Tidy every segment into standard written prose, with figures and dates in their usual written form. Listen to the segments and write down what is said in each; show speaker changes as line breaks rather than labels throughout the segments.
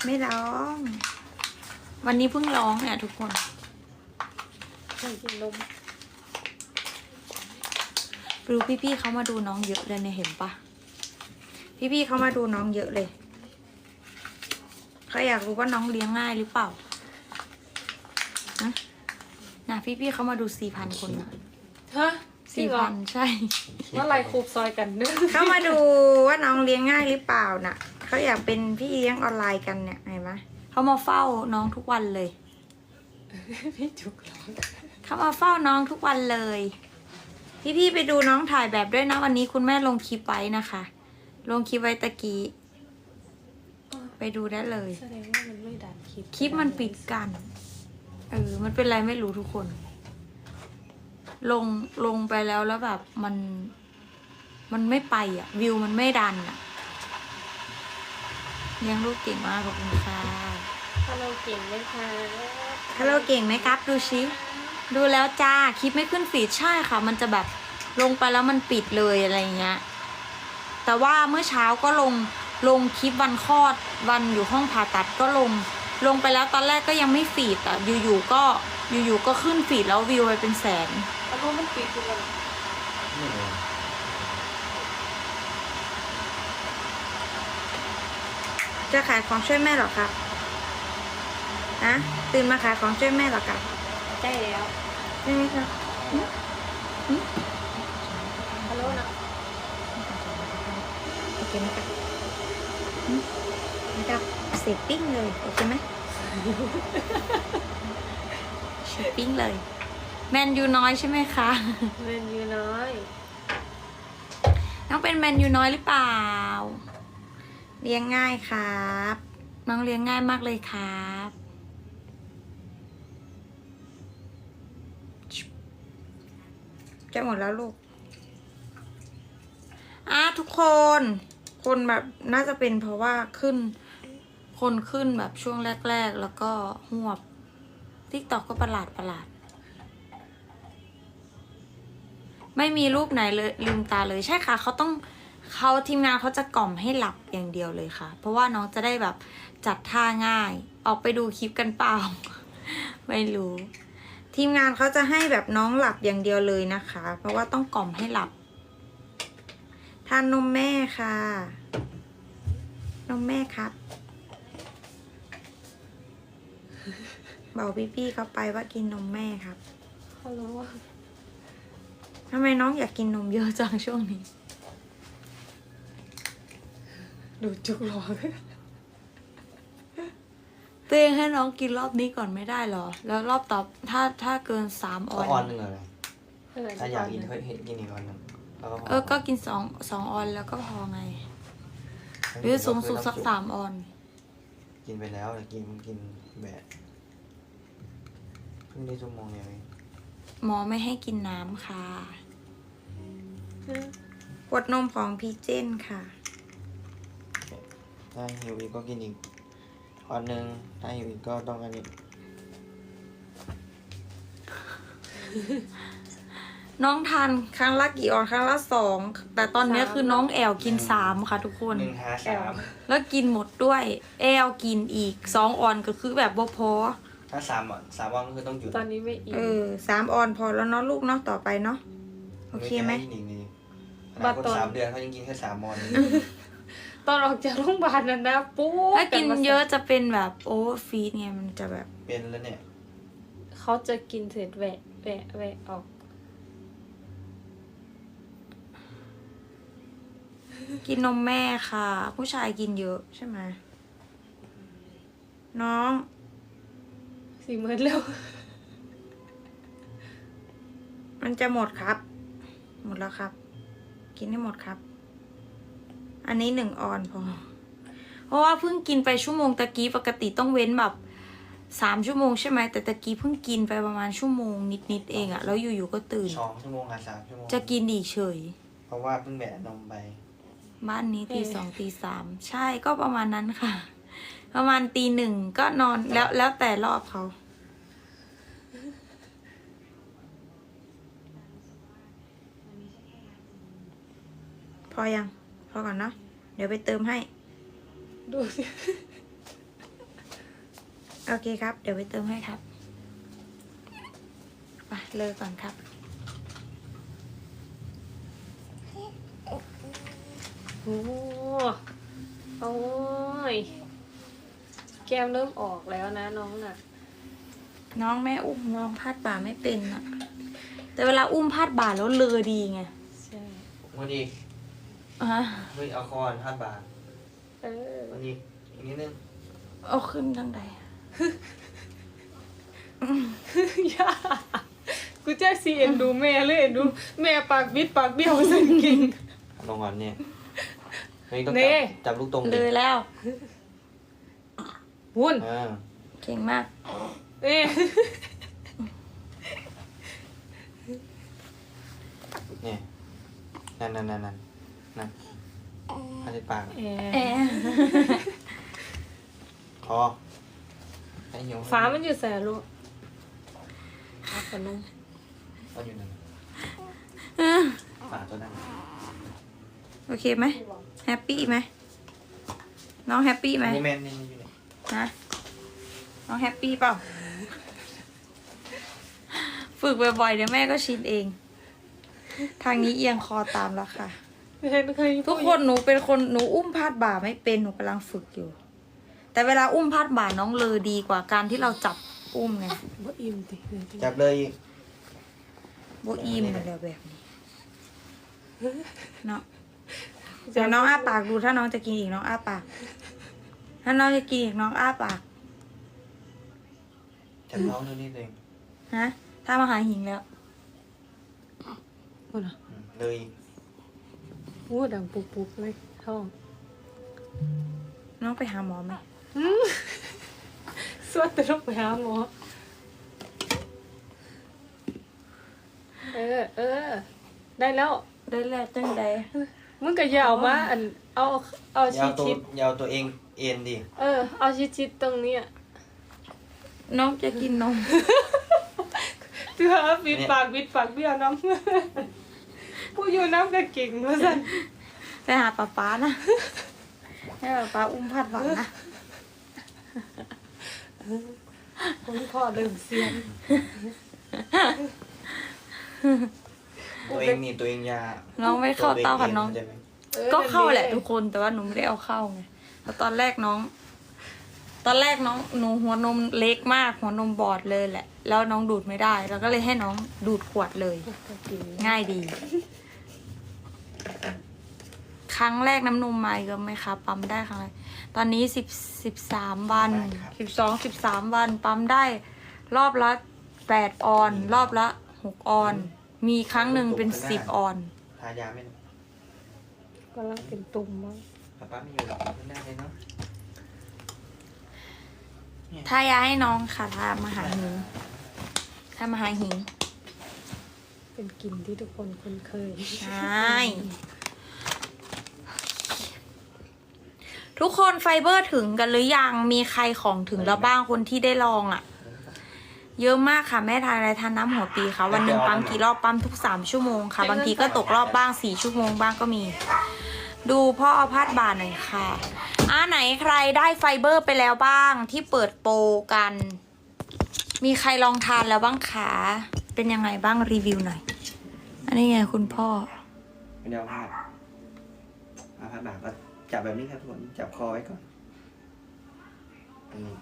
ไม่ร้อง วันนี้เพิ่งร้องเนี่ยทุกคน
กินนม
ดูพี่ๆเขามาดูน้องเยอะเลยเนี่ยเห็นปะพี่ๆเขามาดูน้องเยอะเลยเขาอยากรู้ว่าน้องเลี้ยงง่ายหรือเปล่านะพี่ๆเขามาดู4,000 คนนะ
ฮะ
4,000ใช่
ว่าไรคูบซอยกันนึก
เขามาดูว่าน้องเลี้ยงง่ายหรือเปล่าน่ะเขาอยากเป็นพี่เลี้ยงออนไลน์กันเนี่ยเห็นไหมเขามาเฝ้าน้องทุกวันเลย
พี่จุกร้อง
เขามาเฝ้าน้องทุกวันเลยพี่ๆไปดูน้องถ่ายแบบด้วยนะวันนี้คุณแม่ลงคลิปไว้นะคะลงคลิปไว้ตะกี้ไปดูได้เลย
แสดงว่ามันไม่ดัน
คลิปมันปิดกันมันเป็นไรไม่รู้ทุกคนลงไปแล้วแบบมันไม่ไปอ่ะวิวมันไม่ดันอ่ะเลี้ยงลูกเก่งมากขอบคุณค่ะ
ฮัลโหลเก่งไหมคะ
ฮัลโหลเก่งไหมครับดูชิดูแล้วจ้าคลิปไม่ขึ้นฟีดใช่ค่ะมันจะแบบลงไปแล้วมันปิดเลยอะไรเงี้ยแต่ว่าเมื่อเช้าก็ลงคลิปวันคลอดวันอยู่ห้องผ่าตัดก็ลงไปแล้วตอนแรกก็ยังไม่ฟีดอ่ะอยู่ๆก็ขึ้นฟีดแล้ววิวไปเป็นแสน
แล้วก็มันปิดอยู่เลย
จะขายของช่วยแม่หรอครับนะตื่นมาขายของช่วยแม่หรอครับ
ใช่แล้ว
ใช่ไหมครับ
ฮัลโหลนะ
โอเคไหมครับนะครับเสร็จปิ้งเลยโอเคไหมเสร็จปิ้งเลยแมนยูน้อยใช่ไหมคะ
แมนยูน้อย
น้องเป็นแมนยูน้อยหรือเปล่าเลี้ยงง่ายครับน้องเลี้ยงง่ายมากเลยครับจะหมดแล้วลูกทุกคนแบบน่าจะเป็นเพราะว่าคนขึ้นแบบช่วงแรกๆแล้วก็หวบTikTokก็ประหลาดไม่มีรูปไหนเลยลืมตาเลยใช่ค่ะเขาทีมงานเขาจะกล่อมให้หลับอย่างเดียวเลยค่ะเพราะว่าน้องจะได้แบบจัดท่าง่ายออกไปดูคลิปกันเปล่า ไม่รู้ทีมงานเขาจะให้แบบน้องหลับอย่างเดียวเลยนะคะเพราะว่าต้องกล่อมให้หลับทานนมแม่ค่ะนมแม่ครับบอกพี่ๆเขาไปว่ากินนมแม่ครับ
ฮัลโหล
ทำไมน้องอยากกินนมเยอะจังช่วงนี้
ดูจุกร้อง
ตัวเองให้น้องกินรอบนี้ก่อนไม่ได้หรอแล้วรอบต่อถ้าเกิน3 ออน
ออนหนึ่งเลยถ้าอยากกินก็กินอีกออนหนึ่ง
ก็กิน2 ออนแล้วก็พอไงหรือสูงสุดสัก3 ออน
กินไปแล้วแต่กินแบบเพิ่งได้ชั่วโมงเดียวเอง
หมอไม่ให้กินน้ำค่ะขวดนมของพีเจนค่ะ
ถ้าหิวอีกก็กินอีกออนหนึ่งถ้าหิวอีกก็ต้องอันนี้
น้องทานครั้งละกี่ออนครั้งละ2แต่ตอนนี้คือน้องแอลกิน3ค่ะทุกคน
1 5 3
แล้วกินหมดด้วยแอลกินอีก2 ออนก็คือแบบบ่พอ
ถ้า3 ออนก็คือต้องหยุด
ตอนนี้ไม่อิ่ม
3 ออนพอแล้วเนาะลูกเนาะต่อไปเนาะโอเคไหม
บัตร3 เดือนเขายังกินแค่3 ออน
ตอนออกจากโรงพยาบาลนั่นนะปุ๊บ
ถ้ากินเยอะจะเป็นแบบโอเวอร์ฟีดไงมันจะแบบ
เป็นแล้วเนี่ย
เขาจะกินเสร็จแหวะออก
กินนมแม่ค่ะผู้ชายกินเยอะใช่ไหมน้อง
40,000เร็ว
มันจะหมดครับหมดแล้วครับกินให้หมดครับอันนี้1 ออนพอเพราะว่าเพิ่งกินไปชั่วโมงตะกี้ปกติต้องเว้นแบบ3 ชั่วโมงใช่ไหมแต่ตะกี้เพิ่งกินไปประมาณชั่วโมงนิดเองอะแล้วอยู่ๆก็ตื่น
2 ชั่วโมง3 ชั่วโมง
จะกินอีกเฉย
เพราะว่าเพิ่งแบะนมไป
บ้านนี้ตี 2 ตี 3ใช่ก็ประมาณนั้นค่ะประมาณตี 1ก็นอนแล้วแต่รอบเขาพอยังพอก่อนเนาะเดี๋ยวไปเติมให้
ดูสิ
โอเคครับ เดี๋ยวไปเติมให้ครับไปเลยก่อนครับ
โอ้โอ้ยแก้มเริ่มออกแล้วนะน้องน่ะ
น้องแม่อุ้มน้องพาดบ่าไม่เป็นอะแต่เวลาอุ้มพาดบ่าแล้วเลอดีไง
ใช่
วันนี้
อ่ะ
เฮ้ยเอาคอนพาดบ่า
เออ
วันนี้อีกนิดนึง
เอาขึ้นทั้งใด
ย่ากูจะซีเอ็นดูแม่เลยเอ็นดูแม่ปากบิดปากเบี้ยวสันเก่ง
ลงก่อนเนี่ยเฮ้ยต้อง
เน่
จับลูกตรง
เล
ดิ
ยแล้ว
วุ่น
อ่า
เก่งมาก
เอ๊ะ
เนี่ยนั่นพาดปาก
เอ๊
แอะ
คอให้หิว
ฟ้ามันอยู่แสนลูกเอาขนม
ก็อยู่นั่น
อ่ะ
ฝาตัวนั้น
โอเคไหมแฮปปี้ไหมน้องแฮปปี้ไหม
นี่แมนนี่อยู่นี่
ฮะน้องแฮปปี้เปล่า ฝึกบ่อยๆเดี๋ยวแม่ก็ชินเอง ทางนี้เอียงคอตามแล้วค่ะ
ไม่เคย
ทุกคนหนูเป็นคนหนูอุ้มพาดบ่าไม่เป็นหนูกำลังฝึกอยู่ แต่เวลาอุ้มพาดบ่าน้องเลอดีกว่าการที่เราจับอุ้มไง
บ่อิ่มติ
จับเลยอีก
โบอีมมันแล้วแบบนี้เนาะเดี๋ยวน้องอ้าปากดูถ้าน้องจะกินอีกน้องอ้าปาก ถ้าน้องจะกินอีกน้องอ้าปาก
จับน้องตัวนี้เอง
ฮะ ถ้ามาหาหิงแล้ว
พูดเหรอ
เลยอีก
โอ้ดังปุกๆเลยท้อง
น้องไปหาหมอไหม
สวดแต่ต้องไปหาหมอเออได้แล้ว
ได้แล้วจังใด
มึงก็อย่าเอามาอันเอา
อยาวตัว
ชิด
อยาวตัวเองเอ็นดิ
ๆเอาชิดๆตรงเนี้ย
น้องจะกินนม
เถื่อบิดปากเบี้ยวน้ำผู้อยู่น้ำก็เก่งมาสั่น
ไปหาป๊านะ ให้ป๊าอุ้มพัดหวังนะ
ผมพ่อเริ่มเสียง
ตัวเองนี่ตัวเองยา
น้องไม่เข้าเต้าค่ะน้อง
ตัวเไหม
ก็เข้าแหละทุกคนแต่ว่าหนูไม่ได้เอาเข้าไงแล้วตอนแรกน้องหนูหัวนมเล็กมากหัวนมบอดเลยแหละ แล้วน้องดูดไม่ได้แล้วก็เลยให้น้องดูดขวดเลย ง่ายดี ครั้งแรกน้ำนมมาอีกไหมคะปั๊มได้ครั้งแรกตอนนี้13 วัน13 วันปั๊มได้ รอบละ8 ออน รอบละ6 ออน มีครั้งหนึ่งเป็น10 ออน
ทายาไหม
กำลังเป็นตุ่มมั้ง
ป้าไม่อยู่หรอกขึ้นได้เลยเนาะ
ถ้ายาให้น้องค่ะทามาหาหิงทามาหาหิง
เป็นกลิ่นที่ทุกคนคุ้นเคย
ใช่ทุกคนไฟเบอร์ถึงกันหรือยังมีใครของถึงแล้วบ้างคนที่ได้ลองอ่ะ เยอะมากค่ะแม่ทานอะไรทานน้ำหัวปีค่ะวันหนึ่งปั๊มกี่รอบปั๊มทุก3 ชั่วโมงค่ะ บางทีก็ตกรอบบ้าง4 ชั่วโมงบ้างก็มี ดูพ่อเอาพาดบ่าหน่อยค่ะไหนใครได้ไฟเบอร์ไปแล้วบ้างที่เปิดโปรกัน มีใครลองทานแล้วบ้างคะเป็นยังไงบ้างรีวิวหน่อย อันนี้ไงคุณพ่อ
ไม่ได้เอาพาดบ่าก็จับแบบนี้ครับทุกคนจับคอไว้ก่อนอันนี้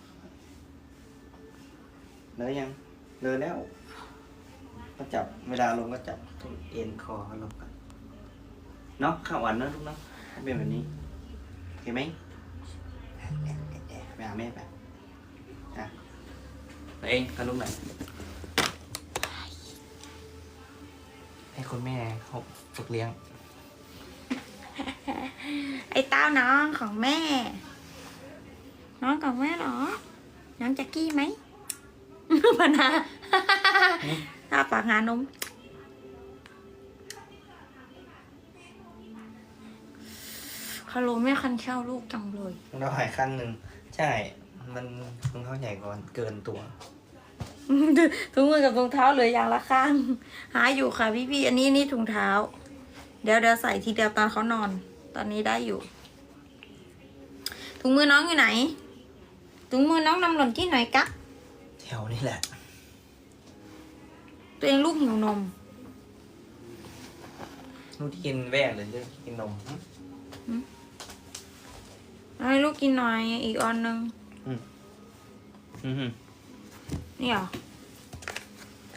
เลยยังเลยแล้วก็จับเวลาลงก็จับตรงเอ็นคอลงกันเนาะข้าวหวานเนาะลูกเนาะเป็นแบบนี้โอเคไหมไปหาแม่ไปตัวเองกับลูกหน่อยให้คุณแม่เขาฝึกเลี้ยง
ไอ้เต้าน้องของแม่ น้องของแม่เหรอ น้องแจ็กกี้ไหม ปนาถ้าปากหานมคาโลไม่คันเช่าลูกจังเลย
เราหายข้างหนึ่งใช่ มันรองเท้าใหญ่ก่อนเกินตัว
ถุงมือกับรองเท้าเหลืออย่างละข้าง หาอยู่ค่ะพี่ๆอันนี้นี่ถุงเท้า เดี๋ยวใส่ทีเดียวตอนเขานอน ตอนนี้ได้อยู่ ถุงมือน้องอยู่ไหนถุงมือน้องนำหล่นที่ไหนกะ
แถวนี่แหละ
ตัวเองลูกหิวนม
ลูกที่กินแวกเลยเรื่องกินนม
ให้ลูกกินหน่อย อีกอันนึง
อืม
นี่เหรอ
ได้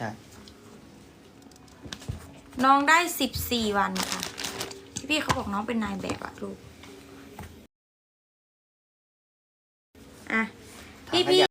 น้องได้14 วันค่ะ พี่เขาบอกน้องเป็นนายแบบอะลูก อ่ะ พี่